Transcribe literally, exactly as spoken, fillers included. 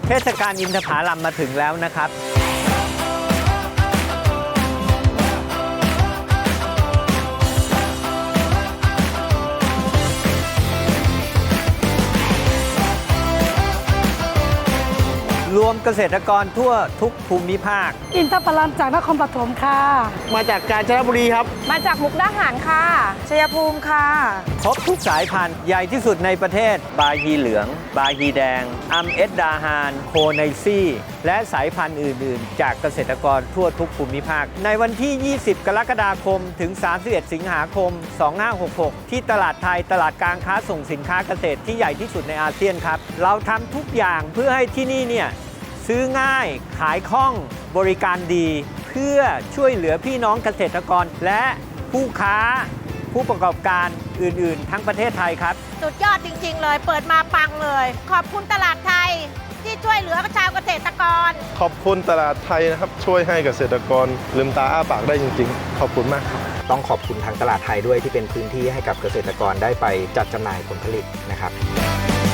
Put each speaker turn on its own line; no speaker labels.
เทศกาลอินทผลัมมาถึงแล้วนะครับรวมเกษตรกรทั่วทุกภูมิภาค
อินทผลัมจากนครปฐมค่ะ
มาจากกาญจนบุรีครับ
มาจากมุกดาหารค่ะชัยภูมิค่ะ
ครบทุกสายพันธุ์ใหญ่ที่สุดในประเทศบาฮีเหลืองบาฮีแดงอัมเอสดาฮานโคไนซี่และสายพันธุ์อื่นๆจากเกษตรกรทั่วทุกภูมิภาคในวันที่ยี่สิบกรกฎาคมถึงสามสิบเอ็ดสิงหาคมสองพันห้าร้อยหกสิบหกที่ตลาดไทยตลาดการค้าส่งสินค้าเกษตรที่ใหญ่ที่สุดในอาเซียนครับเราทำทุกอย่างเพื่อให้ที่นี่เนี่ยซื้อง่ายขายคล่องบริการดีเพื่อช่วยเหลือพี่น้องเกษตรกรและผู้ค้าผู้ประกอบการอื่นๆทั้งประเทศไทยครับ
สุดยอดจริงๆเลยเปิดมาปังเลยขอบคุณตลาดไทยที่ช่วยเหลือชาวเกษตรกร
ขอบคุณตลาดไทยนะครับช่วยให้เกษตรกรลืมตาอ้าปากได้จริงๆขอบคุณมากครับ
ต้องขอบคุณทางตลาดไทยด้วยที่เป็นพื้นที่ให้กับเกษตรกรได้ไปจัดจำหน่ายผลผลิตนะครับ